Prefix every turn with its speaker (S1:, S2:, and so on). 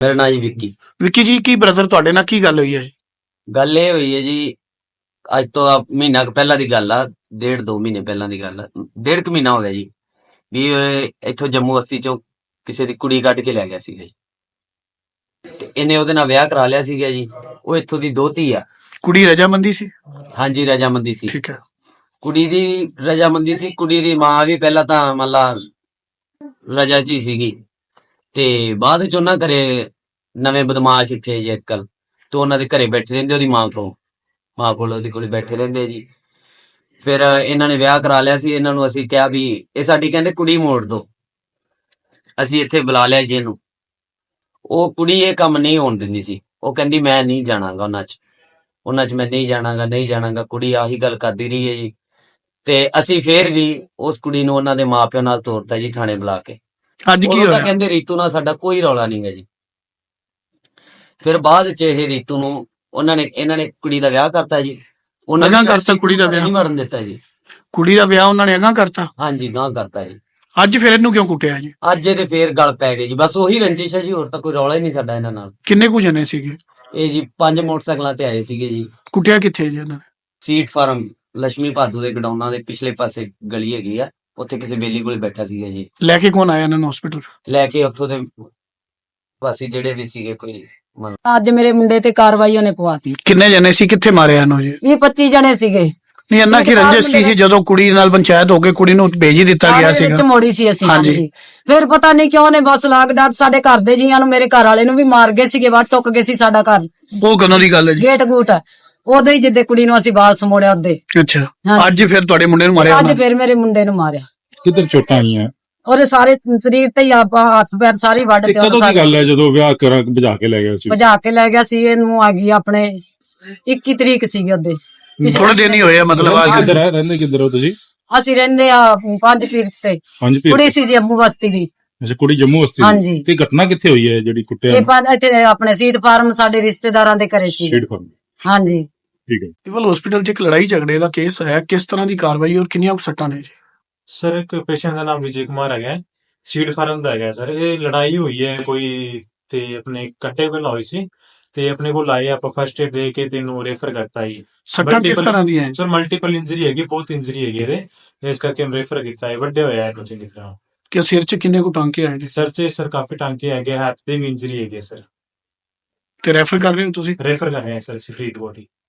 S1: ਮੇਰਾ ਨਾਂ ਜੀ ਵਿੱਕੀ।
S2: ਵਿੱਕੀ ਜੀ, ਕੀ ਬ੍ਰਦਰ ਤੁਹਾਡੇ ਨਾਲ ਕੀ ਗੱਲ ਹੋਈ ਹੈ ਜੀ?
S1: ਗੱਲ ਇਹ ਹੋਈ ਹੈ ਜੀ, ਅੱਜ ਤੋਂ ਮਹੀਨਾ ਕੁ ਪਹਿਲਾਂ ਦੀ ਗੱਲ ਆ। 1.5-2 ਮਹੀਨੇ ਪਹਿਲਾਂ ਦੀ ਗੱਲ ਆ। 1.5 ਮਹੀਨਾ ਹੋ ਗਿਆ ਜੀ ਵੀ ਇੱਥੋਂ ਜੰਮੂ ਬਸਤੀ ਚੋਂ ਕਿਸੇ ਦੀ ਕੁੜੀ ਕੱਢ ਕੇ ਲੈ ਗਿਆ ਸੀਗਾ ਜੀ। ਤੇ ਇਹਨੇ ਉਹਦੇ ਨਾਲ ਵਿਆਹ ਕਰਾ ਲਿਆ ਸੀਗਾ ਜੀ। ਉਹ ਇੱਥੋਂ ਦੀ ਦੋਹਤੀ ਆ।
S2: ਕੁੜੀ ਰਜਾਮੰਦੀ ਸੀ?
S1: ਹਾਂਜੀ, ਰਜਾਮੰਦੀ ਸੀ।
S2: ਠੀਕ ਹੈ।
S1: ਕੁੜੀ ਦੀ ਰਜਾਮੰਦੀ ਸੀ। ਕੁੜੀ ਦੀ ਮਾਂ ਵੀ ਪਹਿਲਾਂ ਤਾਂ ਮਤਲਬ ਰਜਾ ਚ ਹੀ ਸੀਗੀ, ਤੇ ਬਾਅਦ ਚ ਉਹਨਾਂ ਘਰੇ ਨਵੇਂ ਬਦਮਾਸ਼ ਇੱਥੇ ਜੀ ਅੱਜਕੱਲ, ਤੇ ਉਹਨਾਂ ਦੇ ਘਰੇ ਬੈਠੇ ਰਹਿੰਦੇ। ਉਹਦੀ ਮਾਂ ਕੋਲ ਉਹਦੇ ਕੋਲੇ ਬੈਠੇ ਰਹਿੰਦੇ ਜੀ। ਫਿਰ ਇਹਨਾਂ ਨੇ ਵਿਆਹ ਕਰਾ ਲਿਆ ਸੀ। ਇਹਨਾਂ ਨੂੰ ਅਸੀਂ ਕਿਹਾ ਵੀ ਇਹ ਸਾਡੀ ਕਹਿੰਦੇ ਕੁੜੀ ਮੋੜ ਦੋ। ਅਸੀਂ ਇੱਥੇ ਬੁਲਾ ਲਿਆ ਜੀ ਇਹਨੂੰ। ਉਹ ਕੁੜੀ ਇਹ ਕੰਮ ਨਹੀਂ ਹੋਣ ਦਿੰਦੀ ਸੀ। ਉਹ ਕਹਿੰਦੀ ਮੈਂ ਨਹੀਂ ਜਾਣਾਗਾ ਉਹਨਾਂ ਚ ਮੈਂ ਨਹੀਂ ਜਾਣਾਗਾ। ਕੁੜੀ ਆਹੀ ਗੱਲ ਕਰਦੀ ਰਹੀ ਹੈ ਜੀ। ਤੇ ਅਸੀਂ ਫੇਰ ਵੀ ਉਸ ਕੁੜੀ ਨੂੰ ਉਹਨਾਂ ਦੇ ਮਾਪਿਆਂ ਨਾਲ ਤੋਰਤਾ ਜੀ, ਥਾਣੇ ਬੁਲਾ ਕੇ।
S2: ਅੱਜ ਕੀ
S1: ਉਦੋਂ ਤਾਂ
S2: ਹੋਇਆ?
S1: ਕਹਿੰਦੇ ਰੀਤੂ ਨਾਲ ਸਾਡਾ ਕੋਈ ਰੌਲਾ ਨਹੀਂ ਹੈ ਜੀ। ਫਿਰ ਬਾਅਦ ਚ ਇਹ ਰੀਤੂ ਨੂੰ ਇਹਨਾਂ ਨੇ ਕੁੜੀ ਦਾ ਵਿਆਹ ਕਰਤਾ ਜੀ। ਉਹਨਾਂ
S2: ਅਗਾਂਹ
S1: ਨੇ
S2: ਕਰਤਾ ਕੁੜੀ ਦਾ ਵਿਆਹ?
S1: ਨਹੀਂ ਮਰਨ ਦਿੱਤਾ ਜੀ।
S2: ਕੁੜੀ ਦਾ ਵਿਆਹ ਉਹਨਾਂ ਨੇ ਅਗਾਂਹ ਕਰਤਾ?
S1: ਹਾਂਜੀ, ਗਾਂਹ ਕਰਤਾ ਜੀ।
S2: ਅੱਜ ਫਿਰ ਇਹਨੂੰ ਕਿਉਂ ਕੁੱਟਿਆ ਜੀ?
S1: ਅੱਜ ਇਹਦੇ ਫੇਰ ਗੱਲ ਪੈ ਗਈ ਜੀ। ਬਸ ਉਹੀ ਰੰਜਿਸ਼ ਹੈ ਜੀ, ਹੋਰ ਤਾਂ ਕੋਈ ਰੌਲਾ ਹੀ ਨਹੀਂ ਸਾਡਾ ਇਹਨਾਂ ਨਾਲ।
S2: ਕਿੰਨੇ ਕੁ ਜਣੇ ਸੀਗੇ?
S1: ਇਹ ਜੀ 5 ਮੋਟਰਸਾਈਕਲਾਂ ਤੇ ਆਏ ਸੀਗੇ ਜੀ।
S2: ਕੁੱਟਿਆ ਕਿੱਥੇ ਜੀ ਇਹਨਾਂ ਨੇ?
S1: ਸੀਟ ਫਾਰਮ ਲక్ష్ਮੀ ਭਾਦੂ ਦੇ ਗਡਾਊਨਾਂ ਦੇ ਪਿਛਲੇ ਪਾਸੇ ਗਲੀ ਹੈਗੀ ਆ, ਉੱਥੇ ਕਿਸੇ ਬੇਲੀ ਕੋਲੇ ਬੈਠਾ ਸੀਗਾ ਜੀ।
S2: ਲੈ ਕੇ ਕੌਣ ਆਇਆ ਇਹਨਾਂ ਨੂੰ ਹਸਪੀਟਲ?
S1: ਲੈ ਕੇ ਉੱਥੋਂ ਦੇ ਵਾਸੀ ਜਿਹੜੇ ਵੀ ਸੀਗੇ ਕੋਈ
S3: ਅੱਜ ਮੇਰੇ ਮੁੰਡੇ ਤੇ ਕਾਰਵਾਈ ਉਹਨੇ ਪਵਾਤੀ।
S2: ਕਿੰਨੇ ਜਣੇ ਸੀ? ਕਿੱਥੇ ਮਾਰਿਆ ਇਹਨੂੰ ਜੀ?
S3: 20-25 ਜਣੇ ਸੀਗੇ।
S2: ਨਹੀਂ, ਇਹਨਾਂ ਕੀ ਰੰਜਿਸ਼ ਕੀ ਸੀ? ਜਦੋਂ ਕੁੜੀ ਨਾਲ ਪੰਚਾਇਤ ਹੋ ਕੇ ਕੁੜੀ ਨੂੰ ਭੇਜ ਹੀ ਦਿੱਤਾ ਗਿਆ ਸੀਗਾ।
S3: ਵਿੱਚ ਮੋੜੀ ਸੀ ਅਸੀਂ।
S2: ਹਾਂਜੀ।
S3: ਹਾਂਜੀ। ਫਿਰ ਪਤਾ ਨਹੀਂ ਕਿਉਂ ਨੇ ਬਸ ਲਾਗ ਡਾਟ ਸਾਡੇ ਘਰ ਦੇ ਜੀਆਂ ਨੂੰ, ਮੇਰੇ ਘਰ ਵਾਲੇ ਨੂੰ ਵੀ ਮਾਰ ਗਏ ਸੀਗੇ। ਵੱਟ ਟੁੱਕ ਗਏ ਸੀ ਸਾਡਾ ਘਰ।
S2: ਉਹ ਕਦੋਂ ਦੀ ਗੱਲ ਹੈ ਜੀ?
S3: ਗੇਟ ਗੂਟ ਉਦੋਂ ਹੀ ਜਿੱਦੇ ਕੁੜੀ ਨੂੰ ਅਸੀਂ ਬਾਹਰ ਸਮੋੜਿਆ ਉਹਦੇ।
S2: ਅੱਛਾ।
S3: ਹਾਂਜੀ।
S2: ਅੱਜ ਫਿਰ ਤੁਹਾਡੇ ਮੁੰਡੇ ਨੂੰ ਮਾਰਿਆ
S3: ਅੱਜ
S2: ਉਹਨਾਂ ਨੇ?
S3: ਫਿਰ ਮੇਰੇ ਮੁੰਡੇ ਨੂੰ ਮਾਰਿਆ।
S4: ਕਿੱਧਰ ਚੋਟਾਂ ਆਈਆਂ?
S3: ਉਹਦੇ ਸਾਰੇ ਸਰੀਰ ਤੇ ਹੀ ਹੱਥ ਪੈਰ ਸਾਰੇ ਵੱਢ
S4: ਤੇ
S3: ਤੇ
S4: ਕਦੋਂ ਦੀ ਗੱਲ ਹੈ ਜਦੋਂ ਵਿਆਹ ਕਰਾ ਭਜਾ ਕੇ ਲੈ ਗਿਆ ਸੀ?
S3: ਭਜਾ ਕੇ ਲੈ ਗਿਆ ਸੀ। ਇਹਨੂੰ ਆ ਗਈ ਆਪਣੇ 21 ਤਰੀਕ ਸੀਗੀ ਉਹਦੇ।
S2: ਥੋੜੇ ਦਿਨ ਹੀ ਹੋਏ ਆ ਮਤਲਬ। ਅੱਜ
S4: ਕਿੱਧਰ ਹੈ? ਰਹਿੰਦੇ ਕਿੱਧਰ ਹੋ ਤੁਸੀਂ?
S3: ਅਸੀਂ ਰਹਿੰਦੇ ਆ 5 ਪੀਰ ਤੇ।
S4: ਪੰਜ ਪੀਰ?
S3: ਕੁੜੀ ਸੀ ਜੰਮੂ ਬਸਤੀ ਦੀ।
S4: ਅੱਛਾ, ਕੁੜੀ ਜੰਮੂ ਬਸਤੀ ਦੀ।
S3: ਹਾਂਜੀ।
S4: ਤੇ ਘਟਨਾ ਕਿੱਥੇ ਹੋਈ ਹੈ ਜਿਹੜੀ ਕੁੱਟਿਆ?
S3: ਇਹ ਇੱਥੇ ਆਪਣੇ ਸੀਟ ਫਾਰਮ ਸਾਡੇ ਰਿਸ਼ਤੇਦਾਰਾਂ ਦੇ ਘਰੇ ਸੀ।
S4: Sheet farm.
S3: ਹਾਂਜੀ।
S4: ਠੀਕ ਹੈ।
S2: ਸਿਵਲ ਹਸਪੀਟਲ 'ਚ ਇੱਕ ਲੜਾਈ ਝਗੜੇ ਦਾ ਕੇਸ ਆਇਆ। ਕਿਸ ਤਰ੍ਹਾਂ ਦੀ ਕਾਰਵਾਈ ਔਰ ਕਿੰਨੀਆਂ ਕੁ ਸੱਟਾਂ ਨੇ ਜੀ?
S5: ਸਰ, ਇੱਕ ਪੇਸ਼ੈਂਟ ਦਾ ਨਾਮ ਵਿਜੇ ਕੁਮਾਰ ਹੈਗਾ, ਸੀਡ ਫਾਰਮ ਦਾ ਹੈਗਾ ਸਰ। ਇਹ ਲੜਾਈ ਹੋਈ ਹੈ ਕੋਈ ਤੇ ਆਪਣੇ ਕੱਟੇ ਕੋਲ ਹੋਈ ਸੀ, ਤੇ ਆਪਣੇ ਕੋਲ ਆਏ ਆਪਾਂ ਫਸਟ ਏਡ ਦੇ ਕੇ ਤੈਨੂੰ ਰੈਫਰ ਕਰਤਾ ਜੀ।
S2: ਸੱਟਾਂ ਕਿਸ ਤਰ੍ਹਾਂ ਦੀਆਂ ਹੈ?
S5: ਸਰ ਮਲਟੀਪਲ ਇੰਜਰੀ ਹੈਗੀ, ਬਹੁਤ ਇੰਜਰੀ ਹੈਗੀ ਇਹਦੇ, ਇਸ ਕਰਕੇ ਰੈਫਰ ਕੀਤਾ ਹੈ। ਵੱਡੇ ਹੋਇਆ ਹੈ ਕੁਝ ਕਿਸ ਤਰ੍ਹਾਂ।
S2: ਕਿ ਸਿਰ 'ਚ ਕਿੰਨੇ ਕੁ ਟਾਂਕੇ ਆਏ ਜੀ?
S5: ਸਰ ਕਾਫੀ ਟਾਂਕੇ ਹੈਗੇ, ਹੱਥ ਦੇ ਵੀ ਇੰਜਰੀ ਹੈਗੀ ਸਰ।
S2: ਤੇ ਰੈਫਰ ਕਰ ਰਹੇ ਹੋ ਤੁਸੀਂ?
S5: ਰੈਫਰ ਕਰ ਰਹੇ ਹਾਂ ਸਰ ਅਸੀਂ ਫਰੀਦਕੋਟ ਹੀ।